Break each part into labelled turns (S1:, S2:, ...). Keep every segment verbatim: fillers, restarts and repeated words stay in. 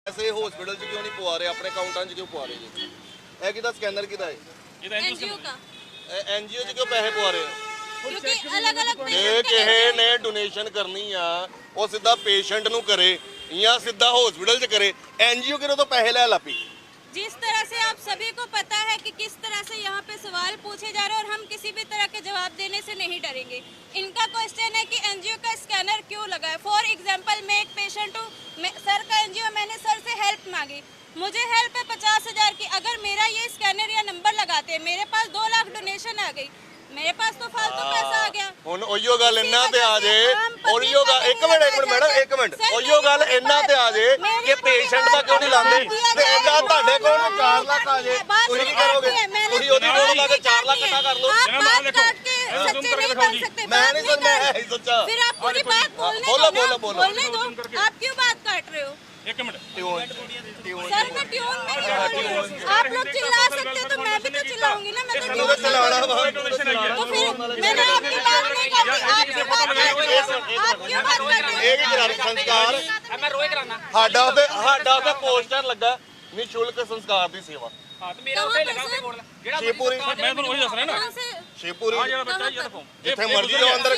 S1: ऐसे हॉस्पिटल च क्यों नहीं पवा रहे, अपने अकाउंटां च क्यों पवा रहे जी? ए किदा स्कैनर किदा है?
S2: ये तो एनजीओ का।
S1: एनजीओ च क्यों पैसे पवा रहे हो?
S2: क्योंकि अलग-अलग
S1: ਜੇ ਕਿਸੇ ਨੇ ਡੋਨੇਸ਼ਨ ਕਰਨੀ ਆ ਉਹ ਸਿੱਧਾ ਪੇਸ਼ੈਂਟ ਨੂੰ ਕਰੇ ਜਾਂ ਸਿੱਧਾ ਹਸਪੀਟਲ 'ਚ ਕਰੇ। ਐਨਜੀਓ ਕਿਹੜੇ ਤੋਂ ਪੈਸੇ ਲੈ ਲਾਪੀ।
S2: जिस तरह से आप सभी को पता है कि किस तरह से यहाँ पे सवाल पूछे जा रहे हैं और हम किसी भी तरह के जवाब देने से नहीं डरेंगे। इनका क्वेश्चन है कि एनजीओ का स्कैनर क्यों लगा है। फॉर एग्जांपल मैं एक पेशेंट हूँ, सर का एनजीओ, मैंने सर से हेल्प मांगी, मुझे हेल्प है पचास हजार की। अगर मेरा ये स्कैनर या नंबर लगाते, मेरे पास दो लाख डोनेशन आ गई, मेरे पास तो फालतू पैसा आ गया।
S1: ਹੁਣ ਉਹੀਓ ਗੱਲ ਇੰਨਾ ਤੇ ਆ ਜੇ, ਉਹੀਓ ਗੱਲ ਇੱਕ ਮਿੰਟ ਇੱਕ ਮਿੰਟ ਮੈਡਮ ਇੱਕ ਮਿੰਟ ਉਹੀਓ ਗੱਲ ਇੰਨਾ ਤੇ ਆ ਜੇ ਕਿ ਪੇਸ਼ੈਂਟ ਦਾ ਕਿਉਂ ਨਹੀਂ ਲਾਉਂਦੇ ਤੇ ਇਹਦਾ ਤੁਹਾਡੇ ਕੋਲ ਚਾਰ ਲੱਖ ਆ ਜੇ ਤੁਸੀਂ ਕੀ ਕਰੋਗੇ? ਤੁਸੀਂ ਉਹਦੀ ਲੋੜ ਲਾ ਕੇ ਚਾਰ ਲੱਖ ਇਕੱਠਾ ਕਰ ਲਓ।
S2: आप बात काट के सच्चे नहीं बन सकते।
S1: मैं
S2: बात
S1: नहीं सर, मैं है ही सच्चा।
S2: फिर आप पूरी बात बोलने
S1: बोलो,
S2: दो ना,
S1: बोलो, बोलो।
S2: बोलने दो। आप क्यों बात काट रहे हो?
S3: एक मिनट
S1: ट्यून ट्यून
S2: सर मैं ट्यून नहीं, आप लोग चिल्ला सकते हो तो मैं भी तो चिल्लाऊंगी ना। मैं तो
S1: ਤੁਹਾਨੂੰ
S2: ट्यून
S1: ਚਲਾਉਣਾ ਵਾ।
S2: तो फिर मैंने आपकी बात नहीं काटी, आप क्यों बात कर रहे हो? आप क्यों बात कर रहे हो?
S1: ਇਹ ਕੀ ਕਰਾ ਰਹੇ ਸੰਸਕਾਰ
S3: मैं रोए कराना
S1: ਸਾਡਾ ਉਹਦੇ ਸਾਡਾ ਉਹਦੇ ਪੋਸਟਰ ਲੱਗਾ ਨਿਸ਼ੁਲਕ ਸੰਸਕਾਰ ਦੀ ਸੇਵਾ
S3: हाँ तो मेरा उठे लगा के बोल जेड़ा
S1: ਸ਼ੇਪੂਰੀ
S3: मैं ਤੁਹਾਨੂੰ ਉਹੀ ਦੱਸ ਰਿਹਾ ਨਾ
S2: कहाँ से?
S1: ਸ਼ੇਪੂਰੀ
S3: ਆ ਜਿਹੜਾ ਬੱਚਾ ਇਹ ਫੋਨ
S1: ਜਿੱਥੇ ਮਰਜ਼ੀ ਜਾਓ ਅੰਦਰ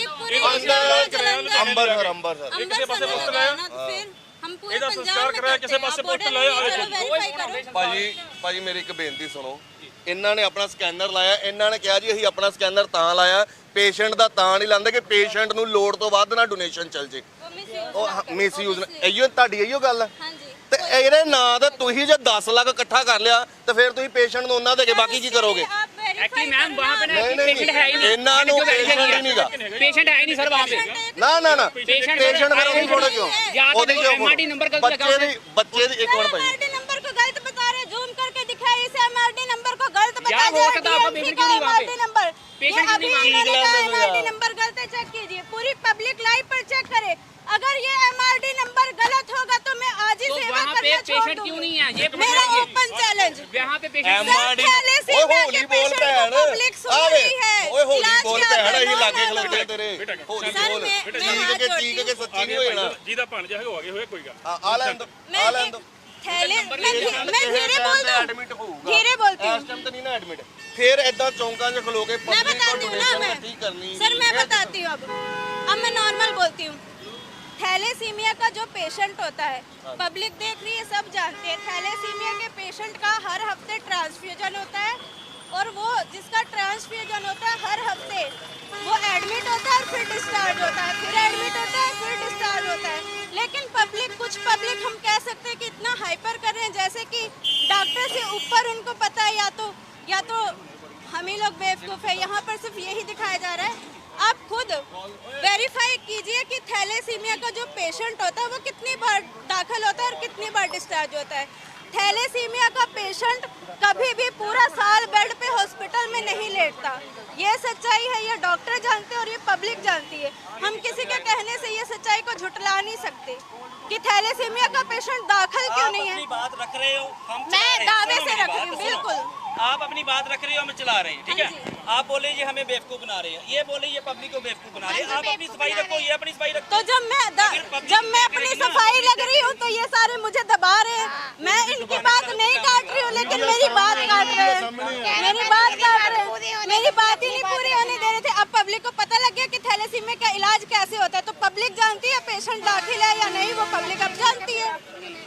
S1: ਅੰਦਰ ਅੰਬਰਸਰ ਅੰਬਰਸਰ
S2: हम किसी पासे पोस्ट लगाया ना, तो फिर हम पूरे
S3: ਇਹਦਾ
S2: पंजाब
S3: ਸੰਸਕਾਰ
S2: में
S3: ਕਰਾਇਆ,
S2: करते
S3: ਕਿਸੇ
S2: हैं।
S3: ਪਾਸੇ
S2: आप
S3: पोस्ट
S2: border
S3: ਲਾਇਆ,
S2: में
S3: ਆਹ
S2: चलो
S3: ਦੇਖੋ।
S2: verify करो।
S1: ਭਾਜੀ ਭਾਜੀ ਮੇਰੀ ਇੱਕ ਬੇਨਤੀ ਸੁਣੋ। ਇਹਨਾਂ ਨੇ ਆਪਣਾ ਸਕੈਨਰ ਲਾਇਆ, ਇਹਨਾਂ ਨੇ ਕਿਹਾ ਜੀ ਅਸੀਂ ਆਪਣਾ ਸਕੈਨਰ ਤਾਂ ਲਾਇਆ, ਪੇਸ਼ੈਂਟ ਦਾ ਤਾਂ ਨਹੀਂ ਲਾਉਂਦੇ ਕਿ ਪੇਸ਼ੈਂਟ ਨੂੰ ਲੋੜ ਤੋਂ ਵੱਧ ਨਾ ਡੋਨੇਸ਼ਨ ਚੱਲ ਜੇ।
S2: वो misuse
S1: ਉਹ
S2: ना करे,
S1: ਮਿਸਯੂਜ਼
S2: obviously।
S1: ਇਹੋ ਤੁਹਾਡੀ ਇਹੋ ਗੱਲ ਹੈ।
S2: हाँ जी।
S1: ਤੇ ਇਹਦੇ ਨਾਂ ਤੇ ਤੁਸੀਂ ਜੇ ਦਸ ਲੱਖ ਇਕੱਠਾ ਕਰ ਲਿਆ ਤੇ ਫਿਰ ਤੁਸੀਂ ਪੇਸ਼ੈਂਟ ਨੂੰ ਉਹਨਾਂ ਦੇ ਕੇ ਬਾਕੀ ਕੀ ਕਰੋਗੇ?
S2: आप verify
S3: एक्चुअली मैम
S2: करो
S3: वहाँ पे
S2: ना।
S3: ना
S1: नहीं, नहीं,
S3: पेशेंट है ही नहीं
S1: ਇਹਨਾਂ ਨੂੰ ਪੇਸ਼ੈਂਟ ਹੀ ਨਹੀਂਗਾ।
S3: पेशेंट है ही नहीं सर वहाँ पे
S1: ਨਾ ਨਾ ਨਾ
S3: पेशेंट
S1: ਪੇਸ਼ੈਂਟ ਫਿਰ ਉਹਦੀ ਫੋਟੋ ਕਿਉਂ?
S3: या तो
S1: ਉਹਦੀ
S3: देखो
S1: ਕਿਉਂ
S3: एमआरडी नंबर गलत लगा
S1: ਬੱਚੇ ਦੀ ਬੱਚੇ ਦੀ ਇੱਕ
S2: सर
S1: ਮਿੰट ਭਾਈ
S2: एमआरडी नंबर को गलत बता रहे, जूम करके दिखाइए इसे एमआरडी नंबर को गलत बता
S3: यार,
S2: दिया
S3: हो सकता है आपका
S2: डीएमसी
S3: पेशेंट
S2: का
S3: क्यों नहीं वहाँ पे?
S2: MRD number.
S3: पेशेंट
S2: ये
S3: क्यों
S2: अभी
S3: नहीं
S2: इन्होंने
S1: वहाँ
S2: कहा
S1: पे?
S2: एमआरडी नंबर गलत है, चेक कीजिए, पूरी पब्लिक लाइव पर चेक करे। अगर ये एमआरडी नंबर गलत होगा तो मैं आज ही
S3: तो
S2: सेवा
S3: वहाँ पे
S2: करना छोड़
S3: पेशेंट क्यों
S2: दूंगी।
S3: नहीं है ये
S2: मेरा
S3: बताइए
S2: ओपन चैलेंज।
S3: यहाँ पे पेशेंट
S1: एमआरडी
S2: पहले से
S1: ਓਏ
S2: मैं
S1: ਹੋਲੀ
S2: के
S1: ਬੋਲ
S2: पेशेंट
S1: ਭੈਣ
S2: को पब्लिक सुन
S1: ਆਵੇ
S2: रही है।
S1: ਓਏ ਹੋਲੀ
S2: इलाज
S1: ਬੋਲ
S2: क्या
S1: ਭੈਣ ਅਸੀਂ
S2: करना
S1: ਲਾਗੇ
S2: है
S1: ਖਲੋਤੇ
S2: तो-
S1: ਤੇਰੇ ਹੋਲੀ
S2: सर,
S1: ਬੋਲ
S2: मैं- मैं
S1: ਚੀਕ
S2: हाथ
S1: ਕੇ
S2: जोड़ती
S1: ਚੀਕ ਕੇ
S2: हूँ।
S1: ਸੱਚੀ ਨਹੀਂ ਹੋ ਜਾਣਾ।
S3: ਜਿਹਦਾ ਭਾਣਜਾ ਹੈਗਾ ਹੋਗੇ ਹੋਏ ਕੋਈ ਗੱਲ
S1: ਆ ਆ ਲੈਣ ਦੋ
S2: मैं
S1: ਆ ਲੈਣ
S2: एक
S1: ਦੋ
S2: थैले मैं धी- मैं धीरे बोल दूं,
S1: ਐਡਮਿਟ ਹੋਊਗਾ
S2: धीरे बोलती हूँ।
S1: ਇਸ ਟਾਈਮ ਤੇ ਨਹੀਂ ਨਾ ਐਡਮਿਟ ਫਿਰ ਐਦਾਂ ਚੌਂਕਾਂ 'ਚ ਖਲੋ ਕੇ
S2: मैं
S1: ਪਬਲਿਕ
S2: बताती
S1: को
S2: हूँ ना,
S1: डोनेशन
S2: मैं
S1: इकट्ठी करनी।
S2: सर मैं बताती हूँ अब अब मैं नॉर्मल बोलती हूँ। थैलेसीमिया का जो पेशेंट होता है, पब्लिक देख रही है, सब जानते हैं, थैलेसीमिया के पेशेंट का हर हफ्ते ट्रांसफ्यूजन होता है और वो जिसका ट्रांसफ्यूजन होता है हर हफ्ते वो एडमिट होता है और फिर डिस्चार्ज होता है, फिर एडमिट होता है फिर डिस्चार्ज होता है। लेकिन पब्लिक कुछ पब्लिक हम कह सकते हैं कि इतना हाइपर कर रहे हैं जैसे कि डॉक्टर से ऊपर उनको पता है, या तो या तो हम ही लोग बेवकूफ़ है। यहाँ पर सिर्फ यही दिखाया जा रहा है। आप खुद वेरीफाई कीजिए कि थैलेसीमिया का जो पेशेंट होता है वो कितनी बार दाखिल होता है और कितनी बार डिस्चार्ज होता है। थैलेसीमिया का पेशेंट कभी भी पूरा साल बेड पे हॉस्पिटल में नहीं लेटता। ये सच्चाई है, ये डॉक्टर जानते हैं और ये पब्लिक जानती है। हम किसी के कहने से ये सच्चाई को झुटला नहीं सकते कि थैलेसीमिया का पेशेंट दाखिल क्यों नहीं है।
S4: अपनी बात रख रहे हो, हम चला
S2: मैं
S4: रहे हैं।
S2: दावे
S4: सुनो
S2: से
S4: मेरी
S2: रख
S4: बात,
S2: रही हूँ,
S4: सुनो।
S2: बिल्कुल।
S4: आप अपनी बात रख रहे हो, हम चला रहे हैं, ठीक
S2: हाँ
S4: है। आप बोले ये हमें बेवकूफ बना रहे हैं, ये बोले ये पब्लिक को बेवकूफ बना रहे हैं।
S2: हाँ
S4: आप
S2: जी,
S4: अपनी
S2: बेवकूफ
S4: सफाई
S2: बना
S4: रखो,
S2: रहे
S4: ये अपनी सफाई रखो।
S2: तो जब मैं द,
S4: फिर public
S2: जब मैं
S4: देख
S2: अपनी
S4: रही है ना।
S2: सफाई लग रही हूँ तो ये सारे मुझे दबा रहे हैं। मैं इनकी बात नहीं काट रही हूँ लेकिन मेरी बात काट रहे हैं, मेरी बात काट रहे हैं, मेरी बात ही नहीं पूरी होने दे रहे थे। अब पब्लिक को पता लग गया कि थैलेसीमिया का इलाज कैसे होता है, तो पब्लिक जानती है पेशेंट दाखिल है या नहीं, वो पब्लिक अब जानती है।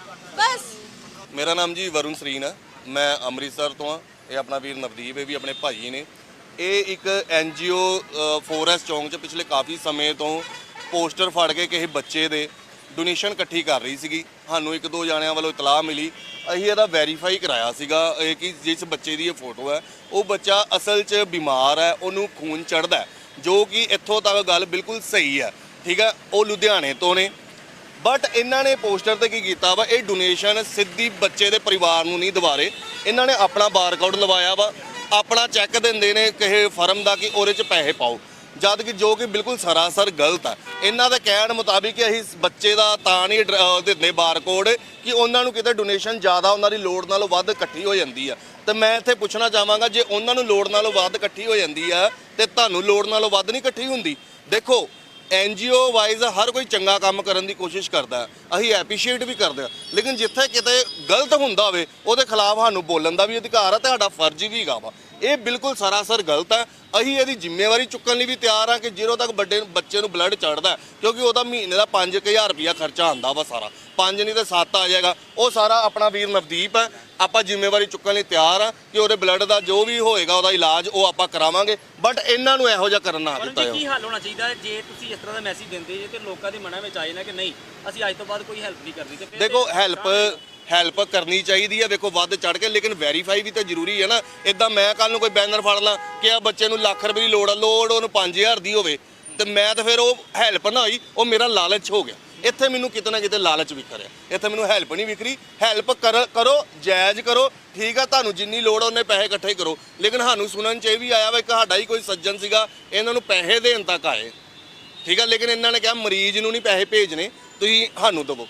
S2: बस
S1: ਮੇਰਾ ਨਾਮ ਜੀ ਵਰੁਣ ਸਰੀਨ ਹੈ, ਮੈਂ ਅੰਮ੍ਰਿਤਸਰ ਤੋਂ ਆ। ਇਹ ਆਪਣਾ ਵੀਰ ਨਵਦੀਪ ਇਹ ਵੀ ਆਪਣੇ ਭਾਜੀ ਨੇ। ਇਹ ਇੱਕ ਐਨਜੀਓ ਫੋਰੈਸਟ ਚੌਂਕ 'ਚ ਪਿਛਲੇ ਕਾਫੀ ਸਮੇਂ ਤੋਂ ਪੋਸਟਰ ਫੜ ਕੇ ਕਿਸੇ ਬੱਚੇ ਦੇ ਡੋਨੇਸ਼ਨ ਇਕੱਠੀ ਕਰ ਰਹੀ ਸੀਗੀ। ਸਾਨੂੰ ਇੱਕ ਦੋ ਜਾਣਿਆਂ ਵੱਲੋਂ ਇਤਲਾਹ ਮਿਲੀ, ਅਸੀਂ ਇਹਦਾ ਵੈਰੀਫਾਈ ਕਰਾਇਆ ਸੀਗਾ ਇਹ ਕਿ ਜਿਸ ਬੱਚੇ ਦੀ ਇਹ ਫੋਟੋ ਹੈ ਉਹ ਬੱਚਾ ਅਸਲ 'ਚ ਬਿਮਾਰ ਹੈ, ਉਹਨੂੰ ਖੂਨ ਚੜ੍ਹਦਾ, ਜੋ ਕਿ ਇੱਥੋਂ ਤੱਕ ਗੱਲ ਬਿਲਕੁਲ ਸਹੀ ਹੈ, ਠੀਕ ਹੈ। ਉਹ ਲੁਧਿਆਣੇ ਤੋਂ ਨੇ, ਬਟ ਇਹਨਾਂ ਨੇ ਪੋਸਟਰ ਤੇ ਕੀ ਕੀਤਾ ਵਾ, ਇਹ ਡੋਨੇਸ਼ਨ ਸਿੱਧੀ ਬੱਚੇ ਦੇ ਪਰਿਵਾਰ ਨੂੰ ਨਹੀਂ ਦਿਵਾਰੇ। ਇਹਨਾਂ ਨੇ ਆਪਣਾ ਬਾਰਕੋਡ ਲਵਾਇਆ ਵਾ, ਆਪਣਾ ਚੈੱਕ ਦਿੰਦੇ ਨੇ ਕਿਸੇ ਫਰਮ ਦਾ ਕਿ ਉਹਦੇ 'ਚ ਪੈਸੇ ਪਾਓ, ਜਦ ਕਿ ਜੋ ਕਿ ਬਿਲਕੁਲ ਸਰਾਸਰ ਗਲਤ ਹੈ। ਇਹਨਾਂ ਦੇ ਕਹਿਣ ਮੁਤਾਬਿਕ ਕਿ ਅਸੀਂ ਬੱਚੇ ਦਾ ਤਾਂ ਨਹੀਂ ਦਿੰਦੇ ਬਾਰਕੋਡ ਕਿ ਉਹਨਾਂ ਨੂੰ ਕਿਤੇ ਡੋਨੇਸ਼ਨ ਜ਼ਿਆਦਾ ਉਹਨਾਂ ਦੀ ਲੋੜ ਨਾਲੋਂ ਵੱਧ ਇਕੱਠੀ ਹੋ ਜਾਂਦੀ ਆ। ਤੇ ਮੈਂ ਇੱਥੇ ਪੁੱਛਣਾ ਚਾਹਾਂਗਾ, ਜੇ ਉਹਨਾਂ ਨੂੰ ਲੋੜ ਨਾਲੋਂ ਵੱਧ ਇਕੱਠੀ ਹੋ ਜਾਂਦੀ ਆ ਤੇ ਤੁਹਾਨੂੰ ਲੋੜ ਨਾਲੋਂ ਵੱਧ ਨਹੀਂ ਇਕੱਠੀ ਹੁੰਦੀ? ਦੇਖੋ ਐਨਜੀਓ ਵਾਈਜ਼ ਹਰ ਕੋਈ ਚੰਗਾ ਕੰਮ ਕਰਨ ਦੀ ਕੋਸ਼ਿਸ਼ ਕਰਦਾ, ਅਸੀਂ ਐਪਰੀਸ਼ੀਏਟ ਵੀ ਕਰਦੇ ਹਾਂ, ਲੇਕਿਨ ਜਿੱਥੇ ਕਿਤੇ ਗਲਤ ਹੁੰਦਾ ਹੋਵੇ ਉਹਦੇ ਖਿਲਾਫ ਸਾਨੂੰ ਬੋਲਣ ਦਾ ਵੀ ਅਧਿਕਾਰ ਹੈ ਤੇ ਸਾਡਾ ਫਰਜ਼ ਵੀ ਹੈਗਾ ਵਾ। ਇਹ ਬਿਲਕੁਲ ਸਰਾਸਰ ਗਲਤ ਹੈ। ਅਸੀਂ ਇਹਦੀ ਜ਼ਿੰਮੇਵਾਰੀ ਚੁੱਕਣ ਲਈ ਵੀ ਤਿਆਰ ਹਾਂ ਕਿ ਜਦੋਂ ਤੱਕ ਵੱਡੇ ਬੱਚੇ ਨੂੰ ਬਲੱਡ ਚੜਦਾ, ਕਿਉਂਕਿ ਉਹਦਾ ਮਹੀਨੇ ਦਾ ਪੰਜ ਹਜ਼ਾਰ ਰੁਪਇਆ ਖਰਚਾ ਆਉਂਦਾ ਵਾ ਸਾਰਾ, ਪੰਜ ਨਹੀਂ ਤੇ ਸੱਤ ਆ ਜਾਏਗਾ, ਉਹ ਸਾਰਾ ਆਪਣਾ ਵੀਰ ਨਵਦੀਪ ਹੈ। ਆਪਾਂ ਜ਼ਿੰਮੇਵਾਰੀ ਚੁੱਕਣ ਲਈ ਤਿਆਰ ਆ ਕਿ ਉਹਦੇ ਬਲੱਡ ਦਾ ਜੋ ਵੀ ਹੋਏਗਾ ਉਹਦਾ ਇਲਾਜ ਉਹ ਆਪਾਂ ਕਰਾਵਾਂਗੇ, ਬਟ ਇਹਨਾਂ ਨੂੰ ਇਹੋ ਜਿਹਾ ਕਰਨ ਨਾ ਦਿੱਤਾ
S4: ਜੀ ਕੀ
S1: ਜਾਵੇ।
S4: ਹੱਲ ਹੋਣਾ ਚਾਹੀਦਾ ਹੈ ਜੇ ਤੁਸੀਂ ਇਸ ਤਰ੍ਹਾਂ ਦਾ ਮੈਸੇਜ ਦਿੰਦੇ ਜੇ ਤੇ ਲੋਕਾਂ ਦੇ ਮਨਾਂ ਵਿੱਚ ਆਏ ਨਾ ਕਿ ਨਹੀਂ ਅਸੀਂ ਅੱਜ ਤੋਂ ਬਾਅਦ ਕੋਈ ਹੈਲਪ ਨਹੀਂ ਕਰਨੀ ਤੇ ਫਿਰ
S1: ਦੇਖੋ ਹੈਲਪ ਹੈਲਪ ਕਰਨੀ ਚਾਹੀਦੀ ਹੈ, ਵੇਖੋ ਵੱਧ ਚੜ ਕੇ, ਲੇਕਿਨ ਵੈਰੀਫਾਈ ਵੀ ਤਾਂ ਜ਼ਰੂਰੀ ਹੈ ਨਾ। ਇਦਾਂ ਮੈਂ ਕੱਲ ਨੂੰ ਕੋਈ ਬੈਨਰ ਫੜ ਲਾਂ ਕਿ ਆ ਬੱਚੇ ਨੂੰ ਲੱਖ ਰੁਪਏ ਦੀ ਲੋੜ ਆ, ਲੋੜ ਉਹਨੂੰ ਪੰਜ ਹਜ਼ਾਰ ਦੀ ਹੋਵੇ ਤੇ ਮੈਂ ਤਾਂ ਫਿਰ ਉਹ ਹੈਲਪ ਨਾ ਹੋਈ, ਉਹ ਮੇਰਾ ਲਾਲਚ ਹੋ ਗਿਆ। ਇੱਥੇ ਮੈਨੂੰ ਕਿਤੇ ਨਾ ਕਿਤੇ ਲਾਲਚ ਵਿਖ ਰਿਹਾ, ਇੱਥੇ ਮੈਨੂੰ ਹੈਲਪ ਨਹੀਂ ਵਿਖ ਰਹੀ। ਹੈਲਪ ਕਰ ਕਰੋ, ਜਾਇਜ਼ ਕਰੋ, ਠੀਕ ਆ, ਤੁਹਾਨੂੰ ਜਿੰਨੀ ਲੋੜ ਉਹਨੇ ਪੈਸੇ ਇਕੱਠੇ ਕਰੋ, ਲੇਕਿਨ ਸਾਨੂੰ ਸੁਣਨ 'ਚ ਇਹ ਵੀ ਆਇਆ ਵਾ ਕਿ ਸਾਡਾ ਹੀ ਕੋਈ ਸੱਜਣ ਸੀਗਾ ਇਹਨਾਂ ਨੂੰ ਪੈਸੇ ਦੇਣ ਤੱਕ ਆਏ, ਠੀਕ ਆ, ਲੇਕਿਨ ਇਹਨਾਂ ਨੇ ਕਿਹਾ ਮਰੀਜ਼ ਨੂੰ ਨਹੀਂ ਪੈਸੇ ਭੇਜਣੇ, ਤੁਸੀਂ ਸਾਨੂੰ ਦੇਵੋ।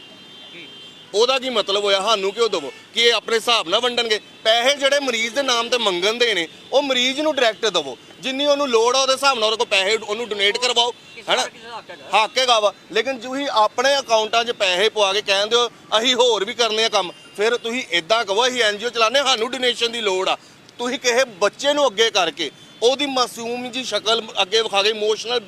S1: ਉਹਦਾ ਕੀ ਮਤਲਬ ਹੋਇਆ ਸਾਨੂੰ ਕਿਉਂ ਦੇਵੋ? ਕਿ ਇਹ ਆਪਣੇ ਹਿਸਾਬ ਨਾਲ ਵੰਡਣਗੇ ਪੈਸੇ? ਜਿਹੜੇ ਮਰੀਜ਼ ਦੇ ਨਾਮ ਤੇ ਮੰਗਣ ਦੇ ਨੇ ਉਹ ਮਰੀਜ਼ ਨੂੰ ਡਾਇਰੈਕਟ ਦੇਵੋ, ਜਿੰਨੀ ਉਹਨੂੰ ਲੋੜ ਆ ਉਹਦੇ ਹਿਸਾਬ ਨਾਲ ਉਹਦੇ ਕੋਲ ਪੈਸੇ ਉਹਨੂੰ ਡੋਨੇਟ ਕਰਵਾਓ, ਹੈਨਾ, ਹੱਕ ਹੈਗਾ ਵਾ। ਲੇਕਿਨ ਤੁਸੀਂ ਆਪਣੇ ਅਕਾਊਂਟਾਂ 'ਚ ਪੈਸੇ ਪਵਾ ਕੇ ਕਹਿੰਦੇ ਹੋ ਅਸੀਂ ਹੋਰ ਵੀ ਕਰਨੇ ਆ ਕੰਮ, ਫਿਰ ਤੁਸੀਂ ਇਦਾਂ ਕਹੋ ਅਸੀਂ ਐਨਜੀਓ ਚਲਾਉਂਦੇ, ਸਾਨੂੰ ਡੋਨੇਸ਼ਨ ਦੀ ਲੋੜ ਆ। ਤੁਸੀਂ ਕਿਸੇ ਬੱਚੇ ਨੂੰ ਅੱਗੇ ਕਰਕੇ ਉਹਦੀ ਮਾਸੂਮ ਜੀ ਸ਼ਕਲ ਅੱਗੇ ਵਿਖਾ ਕੇ ਇਮੋਸ਼ਨਲ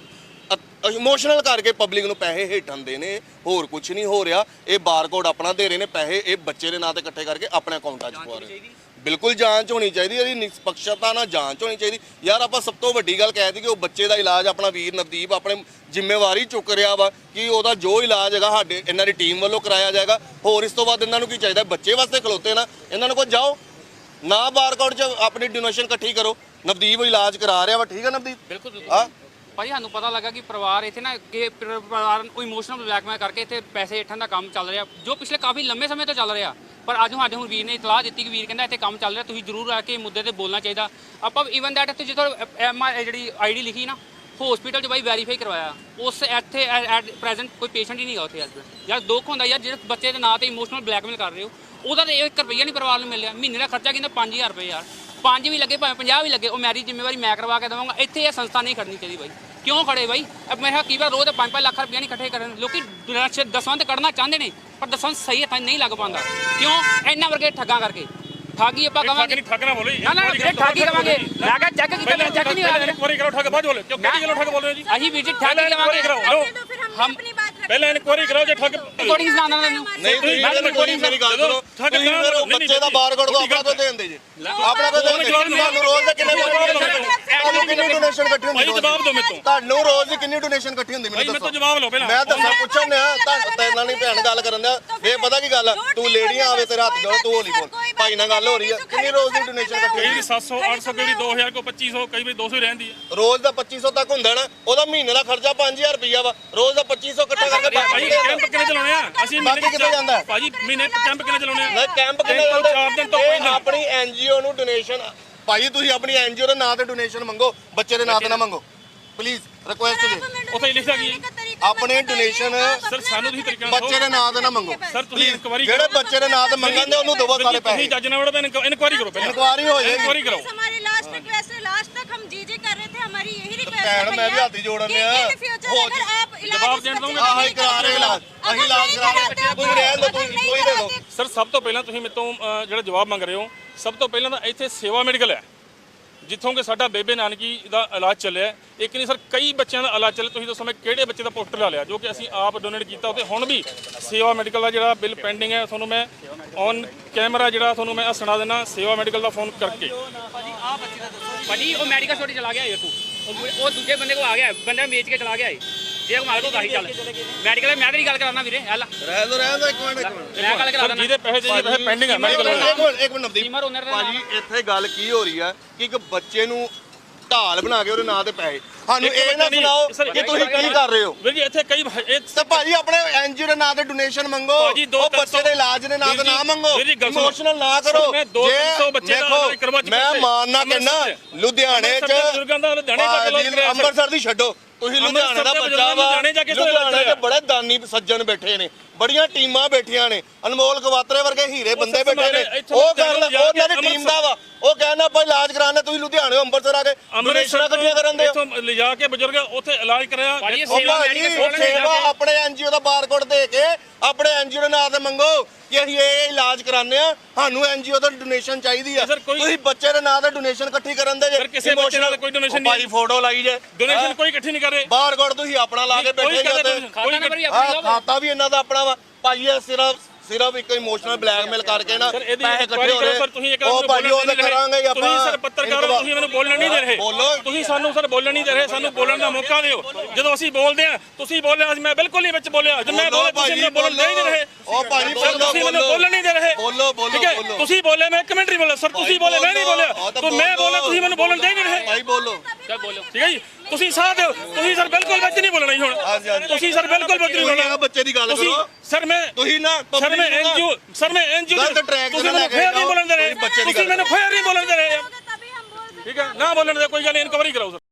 S1: ਇਮੋਸ਼ਨਲ ਕਰਕੇ ਪਬਲਿਕ ਨੂੰ ਪੈਸੇ ਹੇਠਾਂ ਦੇ ਨੇ, ਹੋਰ ਕੁਝ ਨਹੀਂ ਹੋ ਰਿਹਾ। ਇਹ ਬਾਰਕੋਡ ਆਪਣਾ ਦੇ ਰਹੇ ਨੇ, ਪੈਸੇ ਇਹ ਬੱਚੇ ਦੇ ਨਾਂ ਤੇ ਇਕੱਠੇ ਕਰਕੇ ਆਪਣੇ ਅਕਾਊਂਟਾਂ 'ਚ ਪਵਾ ਰਹੇ। ਬਿਲਕੁਲ ਜਾਂਚ ਹੋਣੀ ਚਾਹੀਦੀ, ਇਹਦੀ ਨਿਸ਼ਪਕਸ਼ਤਾ ਨਾਲ ਜਾਂਚ ਹੋਣੀ ਚਾਹੀਦੀ। ਯਾਰ ਆਪਾਂ ਸਭ ਤੋਂ ਵੱਡੀ ਗੱਲ ਕਹਿ ਦਿੱਤੀ ਕਿ ਉਹ ਬੱਚੇ ਦਾ ਇਲਾਜ ਆਪਣਾ ਵੀਰ ਨਵਦੀਪ ਆਪਣੇ ਜ਼ਿੰਮੇਵਾਰੀ ਚੁੱਕ ਰਿਹਾ ਵਾ ਕਿ ਉਹਦਾ ਜੋ ਇਲਾਜ ਹੈਗਾ ਸਾਡੇ ਇਹਨਾਂ ਦੀ ਟੀਮ ਵੱਲੋਂ ਕਰਾਇਆ ਜਾਏਗਾ। ਹੋਰ ਇਸ ਤੋਂ ਬਾਅਦ ਇਹਨਾਂ ਨੂੰ ਕੀ ਚਾਹੀਦਾ? ਬੱਚੇ ਵਾਸਤੇ ਖਲੋਤੇ ਨਾ, ਇਹਨਾਂ ਨੂੰ ਕੋਲ ਜਾਓ ਨਾ ਬਾਰਕੋਡ 'ਚ ਆਪਣੀ ਡੋਨੇਸ਼ਨ ਇਕੱਠੀ ਕਰੋ। ਨਵਦੀਪ ਇਲਾਜ ਕਰਾ ਰਿਹਾ ਵਾ, ਠੀਕ ਹੈ ਨਵਦੀਪ?
S3: ਬਿਲਕੁਲ
S1: ਹਾਂ
S3: ਭਾਜੀ ਸਾਨੂੰ ਪਤਾ ਲੱਗਾ ਕਿ ਪਰਿਵਾਰ ਇੱਥੇ ਨਾ ਕਿ ਪਰਿਵਾਰ ਨੂੰ ਇਮੋਸ਼ਨਲ ਬਲੈਕਮੇਲ ਕਰਕੇ ਇੱਥੇ ਪੈਸੇ ਹੇਠਾਂ ਦਾ ਕੰਮ ਚੱਲ ਰਿਹਾ, ਜੋ ਪਿਛਲੇ ਕਾਫੀ ਲੰਮੇ ਸਮੇਂ ਤੋਂ ਚੱਲ ਰਿਹਾ। ਪਰ ਅੱਜ ਸਾਡੇ ਹੁਣ ਵੀਰ ਨੇ ਇਤਲਾਹ ਦਿੱਤੀ ਕਿ ਵੀਰ ਕਹਿੰਦਾ ਇੱਥੇ ਕੰਮ ਚੱਲ ਰਿਹਾ, ਤੁਸੀਂ ਜ਼ਰੂਰ ਆ ਕੇ ਮੁੱਦੇ ਤੇ ਬੋਲਣਾ ਚਾਹੀਦਾ। ਆਪਾਂ ਈਵਨ ਦੈਟ ਇੱਥੇ ਜਿੱਥੋਂ ਐਮ ਜਿਹੜੀ ਆਈ ਡੀ ਲਿਖੀ ਨਾ ਹਸਪੀਟਲ 'ਚ ਬਾਈ ਵੈਰੀਫਾਈ ਕਰਵਾਇਆ, ਉਸ ਇੱਥੇ ਐਟ ਪ੍ਰੈਜ਼ੈਂਟ ਕੋਈ ਪੇਸ਼ੈਂਟ ਹੀ ਨਹੀਂ ਗਾ ਉੱਥੇ। ਅੱਜ ਯਾਰ ਦੁੱਖ ਹੁੰਦਾ ਯਾਰ, ਜਿਹੜੇ ਬੱਚੇ ਦੇ ਨਾਂ ਤੇ ਇਮੋਸ਼ਨਲ ਬਲੈਕਮੇਲ ਕਰ ਰਹੇ ਹੋ, ਉਹਦਾ ਤਾਂ ਇੱਕ ਰੁਪਈਆ ਨਹੀਂ ਪਰਿਵਾਰ ਨੂੰ ਮਿਲਿਆ। ਮਹੀਨੇ ਦਾ ਖਰਚਾ ਕਹਿੰਦਾ ਪੰਜ ਹਜ਼ਾਰ ਰੁਪਏ, ਯਾਰ ਪੰਜ ਵੀ ਲੱਗੇ ਭਾਵੇਂ ਪੰਜਾਹ ਵੀ ਲੱਗੇ, ਉਹ ਮੇਰੀ ਜ਼ਿੰਮੇਵਾਰੀ ਮੈਂ ਕਰਵਾ ਕੇ ਦੇਵਾਂਗਾ। ਇੱਥੇ ਇਹ ਸੰਸਥਾ ਨਹੀਂ ਖੜਨੀ ਚਾਹੀਦੀ ਬਾਈ। ਕਿਉਂ ਖੜੇ ਬਾਈ? ਮੇਰੇ ਖਿਆਲ ਕਈ ਵਾਰ ਰੋਜ਼ ਪੰਜ ਪੰਜ ਲੱਖ ਰੁਪਇਆ ਨਹੀਂ ਇਕੱਠੇ ਕਰਨ ਲੋਕੀ ਦਸਵਾਂ ਤੇ ਕੱਢਣਾ ਚਾਹੁੰਦੇ ਨੇ, ਪਰ ਦਸਵਾਂ ਸਹੀ ਹੱਥਾਂ ਨਹੀਂ ਲੱਗ ਪਾਉਂਦਾ। ਕਿਉਂ? ਇਹਨਾਂ ਵਰਗੇ ਠੱਗਾਂ ਕਰਕੇ। ਠੱਗੀ ਆਪਾਂ ਕਵਾਂਗੇ ਠੱਗ ਨਾ ਬੋਲੋ ਨਾ ਨਾ ਫਿਰ ਠੱਗੀ ਕਵਾਂਗੇ। ਮੈਂ ਕਿਹਾ ਚੈੱਕ ਕੀਤਾ, ਮੈਂ ਚੈੱਕ ਨਹੀਂ ਕਰਾ।
S5: ਇੱਕ ਵਾਰੀ ਕਰੋ ਠੱਗ ਬਾਅਦ ਬੋਲੇ, ਕਿਉਂ ਕਿਹੜੀ ਗੱਲੋਂ ਠੱਗ ਬੋਲ ਰਹੇ ਹੋ ਜੀ?
S3: ਅਸੀਂ ਵੀਰ ਜੀ ਠੱਗੀ ਕਵਾਂਗੇ।
S2: हम
S5: ਪਹਿਲਾਂ ਇਨਕੁਆਰੀ ਕਰਾਓ ਜੇ ਠੱਗ
S3: ਰਿਕਾਰਡਿੰਗ ਸੁਣਾਉਣਾ ਮੈਨੂੰ
S1: ਨਹੀਂ ਤੁਸੀਂ ਰਿਕਾਰਡਿੰਗ ਮੇਰੀ ਗੱਲ ਸੁਣੋ, ਤੁਸੀਂ ਫਿਰ ਉਹ ਬੱਚੇ ਦਾ ਬਾਰਕੋਡ ਕੋ ਆਪਣਾ ਕੋ ਦੇਣ ਦੇ ਜੀ, ਆਪਣਾ ਕੋ ਦੇਣ ਦੇ। ਤੁਹਾਨੂੰ ਰੋਜ਼ ਦੇ ਕਿੰਨੇ ਤੁਹਾਨੂੰ ਕਿੰਨੀ ਡੋਨੇਸ਼ਨ ਇਕੱਠੀ ਹੁੰਦੀ?
S5: ਭਾਈ ਜਵਾਬ ਦਿਓ ਮੈਨੂੰ।
S1: ਤੁਹਾਨੂੰ ਰੋਜ਼ ਦੀ ਕਿੰਨੀ ਡੋਨੇਸ਼ਨ ਇਕੱਠੀ ਹੁੰਦੀ ਮੈਨੂੰ
S5: ਭਾਈ
S1: ਦੱਸੋ।
S5: ਮੈਨੂੰ ਜਵਾਬ ਲਓ ਪਹਿਲਾਂ।
S1: ਮੈਂ ਦੱਸਾਂ ਪੁੱਛਣ ਨੇ ਤੁਹਾਨੂੰ ਤਾਂ ਇਹਨਾਂ ਨਹੀਂ ਭੈਣ ਗੱਲ ਕਰਨ ਦਿਆ। ਇਹ ਪਤਾ ਕੀ ਗੱਲ ਆ, ਤੂੰ ਲੇਡੀਆਂ ਆਵੇ ਤੇਰਾ ਹੱਥ ਜੋੜ, ਤੂੰ ਹੋਲੀ ਬੋਲ। ਭਾਈ ਨਾਲ ਗੱਲ ਹੋ ਰਹੀ ਆ, ਕਿੰਨੀ ਰੋਜ਼ ਦੀ ਡੋਨੇਸ਼ਨ ਇਕੱਠੀ
S5: ਕਈ
S1: ਹੁੰਦੀ?
S5: ਦੀ ਸੱਤ ਸੌ ਅੱਠ ਸੌ, ਕਈ ਦੀ ਦੋ ਹਜ਼ਾਰ ਕੋ ਪੱਚੀ ਸੌ, ਕਈ ਵੀ ਦੋ ਸੌ ਹੀ ਰਹਿੰਦੀ ਹੈ।
S1: ਰੋਜ਼ ਦਾ ਪੱਚੀ ਸੌ ਤੱਕ ਹੁੰਦਾ ਨਾ, ਉਹਦਾ ਮਹੀਨੇ ਦਾ ਖਰਚਾ ਪੰਜ ਹਜ਼ਾਰ ਰੁਪਈਆ ਵਾ, ਰੋਜ਼ ਦਾ ਪੱਚੀ ਸੌ ਇਕੱਠਾ ਕਰਕੇ
S5: ਭਾਈ ਕੈਂਪ ਕਿੰਨੇ ਚਲਾਉਣੇ ਆ ਅਸੀਂ?
S1: ਬਾਕੀ ਕਿੱਥੇ ਜਾਂਦਾ?
S5: ਭਾਜੀ ਮਹੀਨੇ ਕੈਂਪ ਕਿੰਨੇ ਚਲਾਉਣੇ ਆ?
S1: ਮੈਂ ਕੈਂਪ ਕਿੰਨੇ
S5: ਤਿੰਨ ਤੋਂ
S1: ਲਾਉਂਦੇ?
S5: ਚਾਰ ਦਿਨ ਤੋਂ
S1: ਇਹ
S5: ਪਹਿਲਾਂ।
S1: ਆਪਣੀ ਐਨਜੀਓ ਨੂੰ ਡੋਨੇਸ਼ਨ, ਭਾਈ ਤੁਸੀਂ ਆਪਣੀ ਐਨਜੀਓ ਦੇ ਨਾਂ ਤੇ ਡੋਨੇਸ਼ਨ ਮੰਗੋ, ਬੱਚੇ ਦੇ ਨਾਂ ਤੇ ਨਾ ਮੰਗੋ ਪਲੀਜ਼, ਰਿਕੁਐਸਟ ਜੀ।
S5: ਉੱਥੇ ਹੀ ਲਿਖਿਆ ਕੀ ਹੈ?
S1: ਆਪਣੀ ਡੋਨੇਸ਼ਨ
S5: ਸਰ ਸਾਨੂੰ ਤੁਸੀਂ ਤਰੀਕਾ
S1: ਬੱਚੇ ਦੇ ਨਾਂ ਤੇ ਨਾ ਮੰਗੋ
S5: ਸਰ ਤੁਸੀਂ ਇਨਕੁਆਰੀ
S1: ਜਿਹੜੇ ਬੱਚੇ ਦੇ ਨਾਂ ਤੇ ਮੰਗਣ ਦੇ ਉਹਨੂੰ ਦਵੋ ਸਾਰੇ ਪੈਸੇ।
S5: ਤੁਸੀਂ ਜੱਜ ਨਾਲ ਵੜੋ, ਇਨਕੁਆਰੀ ਕਰੋ ਪਹਿਲਾਂ।
S1: ਇਨਕੁਆਰੀ ਹੋ ਜਾਏਗੀ।
S5: ਇਨਕੁਆਰੀ ਕਰੋ।
S2: हमारी लास्ट रिक्वेस्ट है, लास्ट तक हम जी जी कर रहे थे, हमारी यही रिक्वेस्ट है
S1: ਭੈਣ ਮੈਂ ਵੀ ਹੱਥ ਹੀ ਜੋੜਨ ਆ।
S2: अगर आप
S5: जवाब देने दूंगा।
S1: ਆਹ ਹੀ ਕਰਾ ਰਹੇ ਇਲਾਜ, ਅਸੀਂ ਇਲਾਜ ਕਰਾ ਰਹੇ, ਤੁਸੀਂ ਰਹਿਣ ਦਿਓ, ਤੁਸੀਂ ਕੋਈ ਦੇ ਦਿਓ।
S5: ਸਰ ਸਭ ਤੋਂ ਪਹਿਲਾਂ ਤੁਸੀਂ ਮੇਰੇ ਤੋਂ ਅ, ਜਿਹੜਾ ਜਵਾਬ ਮੰਗ ਰਹੇ ਹੋ, ਸਭ ਤੋਂ ਪਹਿਲਾਂ ਤਾਂ ਇੱਥੇ ਸੇਵਾ ਮੈਡੀਕਲ ਹੈ ਜਿੱਥੋਂ ਕਿ ਸਾਡਾ ਬੇਬੇ ਨਾਨਕੀ ਦਾ ਇਲਾਜ ਚੱਲਿਆ। ਇੱਕ ਨਹੀਂ ਸਰ ਕਈ ਬੱਚਿਆਂ ਦਾ ਇਲਾਜ ਚੱਲਿਆ। ਤੁਸੀਂ ਦੱਸੋ ਮੈਂ ਕਿਹੜੇ ਬੱਚੇ ਦਾ ਪੋਸਟਰ ਲਾ ਲਿਆ ਜੋ ਕਿ ਅਸੀਂ ਆਪ ਡੋਨੇਟ ਕੀਤਾ। ਉੱਥੇ ਹੁਣ ਵੀ ਸੇਵਾ ਮੈਡੀਕਲ ਦਾ ਜਿਹੜਾ ਬਿੱਲ ਪੈਂਡਿੰਗ ਹੈ, ਤੁਹਾਨੂੰ ਮੈਂ ਔਨ ਕੈਮਰਾ ਜਿਹੜਾ ਤੁਹਾਨੂੰ ਮੈਂ ਸੁਣਾ ਦੇਣਾ ਸੇਵਾ ਮੈਡੀਕਲ ਦਾ ਫੋਨ ਕਰਕੇ।
S3: ਭਾਜੀ ਉਹ ਮੈਡੀਕਲ ਸਟੋਰ ਚਲਾ ਗਿਆ ਇੱਥੋਂ, ਉਹ ਦੂਜੇ ਬੰਦੇ ਕੋ ਆ ਗਿਆ, ਬੰਦਾ ਵੇਚ ਕੇ ਚਲਾ ਗਿਆ ਏ। ਜੇ ਕੋ ਮਾਲਕੋ ਕਾਹੀ ਚੱਲ ਮੈਡੀਕਲ, ਮੈਂ ਤੇਰੀ ਗੱਲ ਕਰਾਉਣਾ ਵੀਰੇ। ਹੱਲ
S1: ਰਹਿ ਦੋ ਰਹਿ ਦੋ ਇੱਕ ਮਿੰਟ ਇੱਕ ਮਿੰਟ
S3: ਮੈਂ ਗੱਲ ਕਰਾ
S5: ਸਰ
S3: ਦਿੰਦਾ।
S5: ਜਿਹਦੇ ਪੈਸੇ ਚਾਹੀਦੇ ਪੈਸੇ ਪੈਂਡਿੰਗ ਹੈ ਮੈਡੀਕਲ
S1: ਇੱਕ ਮਿੰਟ ਇੱਕ ਮਿੰਟ ਨਵਦੀਪ
S3: ਸੀਮਰ ਓਨਰ ਦਾ
S1: ਭਾਜੀ, ਇੱਥੇ ਗੱਲ ਕੀ ਹੋ ਰਹੀ ਆ ਕਿ ਇੱਕ ਬੱਚੇ ਨੂੰ ਢਾਲ ਬਣਾ ਕੇ ਉਹਦੇ ਨਾਂ ਤੇ ਪੈਸੇ, ਸਾਨੂੰ ਇਹ ਨਾ ਸੁਣਾਓ ਕਿ ਤੁਸੀਂ ਕੀ ਕਰ ਰਹੇ ਹੋ।
S5: ਵੀਰ ਜੀ ਇੱਥੇ ਕਈ ਇਹ
S1: ਤੇ ਭਾਜੀ ਆਪਣੇ ਐਨਜੀਓ ਦੇ ਨਾਂ ਤੇ ਡੋਨੇਸ਼ਨ ਮੰਗੋ,
S5: ਭਾਜੀ ਦੋ
S1: ਉਹ
S5: ਤਿੰਨ
S1: ਬੱਚੇ ਦੇ ਇਲਾਜ ਦੇ ਨਾਂ ਤੇ
S5: ਵੀਰ ਜੀ,
S1: ਨਾ ਮੰਗੋ,
S5: ਵੀਰ ਜੀ ਗੱਲ ਸੁਣੋ।
S1: ਇਮੋਸ਼ਨਲ ਨਾ ਕਰੋ।
S5: ਸਰ, ਮੈਂ ਦੋ ਤਿੰਨ ਸੌ ਬੱਚੇ ਦਾ ਇਲਾਜ ਕਰਵਾ ਚੁੱਕਾ
S1: ਮੈਂ
S5: ਸੀ।
S1: ਮਾਨਨਾ ਕਹਿੰਦਾ
S5: ਅੰਮ੍ਰਿਤਸਰ
S1: ਲੁਧਿਆਣੇ ਚ
S5: ਅੰਮ੍ਰਿਤਸਰ ਦੇ ਬਜ਼ੁਰਗਾਂ ਦਾ ਲੁਧਿਆਣੇ ਜਾ ਕੇ ਇਲਾਜ
S1: ਭਾਜੀ,
S5: ਕਰਾਇਆ ਸਰ।
S1: ਅੰਮ੍ਰਿਤਸਰ ਦੀ ਛੱਡੋ, ਤੁਸੀਂ ਲੁਧਿਆਣੇ ਦਾ
S5: ਅੰਮ੍ਰਿਤਸਰ ਦੇ
S1: ਬੱਚਾ ਵਾ,
S5: ਲੁਧਿਆਣੇ ਜਾ ਕੇ ਇਲਾਜ
S1: ਲੁਧਿਆਣੇ
S5: ਕਰਾਇਆ।
S1: ਚ ਬੜੇ ਦਾਨੀ ਸੱਜਣ ਬੈਠੇ ਨੇ, ਬੜੀਆਂ ਟੀਮਾਂ ਬੈਠੀਆਂ ਨੇ, ਅਨਮੋਲ ਗਵਾਤਰੇ ਵਰਗੇ ਹੀਰੇ ਬੰਦੇ ਬੈਠੇ ਨੇ। ਉਹ ਕਰ ਉਹਨਾਂ ਦੀ ਟੀਮ ਦਾ ਵਾ, ਉਹ ਕਹਿੰਦਾ ਆਪਾਂ ਇਲਾਜ ਕਰਾਣਾ, ਤੁਸੀਂ ਲੁਧਿਆਣੇ ਅੰਮ੍ਰਿਤਸਰ ਆ ਕੇ ਡੋਨੇਸ਼ਨਾਂ ਇਕੱਠੀਆਂ ਕਰਨ ਦੇ ਹੋ।
S5: ਲਿਜਾ ਕੇ ਬਜ਼ੁਰਗ ਉੱਥੇ ਇਲਾਜ ਕਰਿਆ
S3: ਭਾਜੀ,
S1: ਉਹ
S3: ਸੇਵਾ
S1: ਭਾਜੀ
S3: ਮੈਡੀਕਲ ਸਟੋਰ ਨੇ
S1: ਸੇਵਾ
S3: ਜਾ ਕੇ-
S1: ਆਪਣੇ ਐਨਜੀਓ ਦਾ ਬਾਰਕੋਡ ਦੇ ਕੇ ਆਪਣੇ ਐਨਜੀਓ ਦੇ ਨਾਂ ਤੇ ਮੰਗੋ ਕਿ ਅਸੀਂ ਇਹ ਇਲਾਜ ਕਰਾਉਂਦੇ ਆ, ਸਾਨੂੰ ਐਨਜੀਓ ਤੋਂ ਡੋਨੇਸ਼ਨ ਚਾਹੀਦੀ ਆ।
S5: ਸਰ, ਕੋਈ-
S1: ਤੁਸੀਂ ਬੱਚੇ ਦੇ ਨਾਂ ਤੇ ਡੋਨੇਸ਼ਨ ਇਕੱਠੀ ਕਰਨ ਦੇ ਜੇ।
S5: ਸਰ, ਕਿਸੇ ਬੱਚੇ ਨਾਲ ਕੋਈ donation
S1: ਉਹ ਭਾਜੀ ਫੋਟੋ ਲਾਈ ਜੇ
S5: ਡੋਨੇਸ਼ਨ ਕੋਈ ਇਕੱਠੀ ਨਹੀਂ ਕਰ ਰਹੇ।
S1: ਬਾਰਕੋਡ ਤੁਸੀਂ ਆਪਣਾ ਲਾ ਕੇ
S5: ਕੋਈ
S1: ਬੈਠੇ
S5: ਕਹਿੰਦਾ
S1: ਜੇ
S5: donation,
S3: ਖਾਤਾ ਨੰਬਰ ਵੀ
S1: ਹਾਂ
S3: ਆਪਣਾ
S1: ਖਾਤਾ ਵੀ ਇਹਨਾਂ ਦਾ ਆਪਣਾ ਵਾ ਭਾਜੀ। ਇਹ ਸਿਰਫ ਸਿਰਫ ਇੱਕ ਇਮੋਸ਼ਨਲ ਬਲੈਕਮੇਲ ਕਰਕੇ ਨਾ
S5: ਸਰ, ਇਹਦੀ
S1: ਪੈਸੇ
S5: inquiry
S1: ਇਕੱਠੇ ਹੋ
S5: ਕਰੋ
S1: ਰਹੇ।
S5: ਸਰ, ਤੁਸੀਂ ਇੱਕ
S1: ਉਹ
S5: ਮੈਨੂੰ
S1: ਭਾਜੀ ਉਹ
S5: ਬੋਲਣ
S1: ਤਾਂ
S5: ਨਹੀਂ ਦੇ ਰਹੇ।
S1: ਕਰਾਂਗੇ ਹੀ ਆਪਾਂ।
S5: ਤੁਸੀਂ ਸਰ ਪੱਤਰਕਾਰ ਹੋ, ਤੁਸੀਂ ਮੈਨੂੰ ਬੋਲਣ ਨਹੀਂ ਦੇ ਰਹੇ।
S1: ਬੋਲੋ।
S5: ਤੁਸੀਂ ਸਾਨੂੰ ਸਰ ਬੋਲਣ ਨਹੀਂ ਦੇ ਰਹੇ, ਸਾਨੂੰ ਬੋਲਣ ਦਾ ਮੌਕਾ ਦਿਓ। ਜਦੋਂ ਅਸੀਂ ਬੋਲਦੇ ਆ ਤੁਸੀਂ ਬੋਲਿਆ, ਅੱਜ ਮੈਂ ਬਿਲਕੁਲ ਨਹੀਂ ਵਿੱਚ ਬੋਲਿਆ। ਜੇ ਮੈਂ
S1: ਬੋਲੋ
S5: ਬੋਲਿਆ ਤੁਸੀਂ ਮੈਨੂੰ ਬੋਲਣ ਦੇ ਹੀ ਨਹੀਂ ਰਹੇ।
S1: ਉਹ ਭਾਜੀ
S5: ਸਰ, ਤੁਸੀਂ ਮੈਨੂੰ ਬੋਲਣ ਨਹੀਂ ਦੇ ਰਹੇ।
S1: ਬੋਲੋ ਬੋਲੋ
S5: ਠੀਕ ਹੈ,
S1: ਬੋਲੋ।
S5: ਤੁਸੀਂ ਬੋਲੇ, ਮੈਂ ਇੱਕ ਮਿੰਟ ਨਹੀਂ ਬੋਲਿਆ। ਸਰ, ਤੁਸੀਂ ਬੋਲੇ, ਮੈਂ ਨਹੀਂ ਬੋਲਿਆ।
S1: ਹਾਂ ਤਾਂ
S5: ਤੂੰ ਮੈਂ
S1: ਬੋਲੋ।
S5: ਬੋਲਿਆ, ਤੁਸੀਂ ਮੈਨੂੰ ਬੋਲਣ ਦੇ ਹੀ ਨਹੀਂ ਰਹੇ।
S1: ਭਾਈ ਬੋਲੋ।
S3: ਚੱਲ ਬੋਲੋ।
S5: ਠੀਕ ਹੈ ਜੀ, ਤੁਸੀਂ ਸਾਥ ਦਿਓ। ਤੁਸੀਂ ਸਰ ਬਿਲਕੁਲ ਵਿੱਚ ਨਹੀਂ ਬੋਲਣਾ ਜੀ ਹੁਣ।
S1: ਹਾਂਜੀ, ਹਾਂਜੀ।
S5: ਤੁਸੀਂ ਸਰ ਬਿਲਕੁਲ ਵਿੱਚ ਨਹੀਂ
S1: ਤੁਸੀਂ
S5: ਬੋਲਣਾ।
S1: ਆ ਬੱਚੇ ਦੀ ਗੱਲ
S5: ਤੁਸੀਂ
S1: ਕਰੋ।
S5: ਸਰ ਮੈਂ
S1: ਤੁਸੀਂ ਨਾ
S5: ਸਰ ਮੈਂ
S1: public ਨੂੰ ਨਾ
S5: ਐਨਜੀਓ ਸਰ ਮੈਂ ਐਨਜੀਓ
S1: ਗਲਤ track
S5: ਤੁਸੀਂ
S1: ਤੇ ਨਾ
S5: ਮੈਨੂੰ
S1: ਲੈ ਕੇ
S5: ਫੇਰ ਨਹੀਂ
S1: ਜਾਓ।
S5: ਬੋਲਣ ਦੇ ਰਹੇ।
S1: ਤੁਸੀਂ ਬੱਚੇ ਦੀ
S5: ਤੁਸੀਂ
S1: ਗੱਲ
S5: ਮੈਨੂੰ ਫੇਰ ਨਹੀਂ ਬੋਲਣ ਦੇ ਰਹੇ।
S2: तभी हम बोल सकते हैं।
S5: ਠੀਕ ਹੈ, ਨਾ ਬੋਲਣ ਦੇ ਕੋਈ ਗੱਲ, ਇਨਕੁਆਇਰੀ ਕਰਾਓ ਸਰ।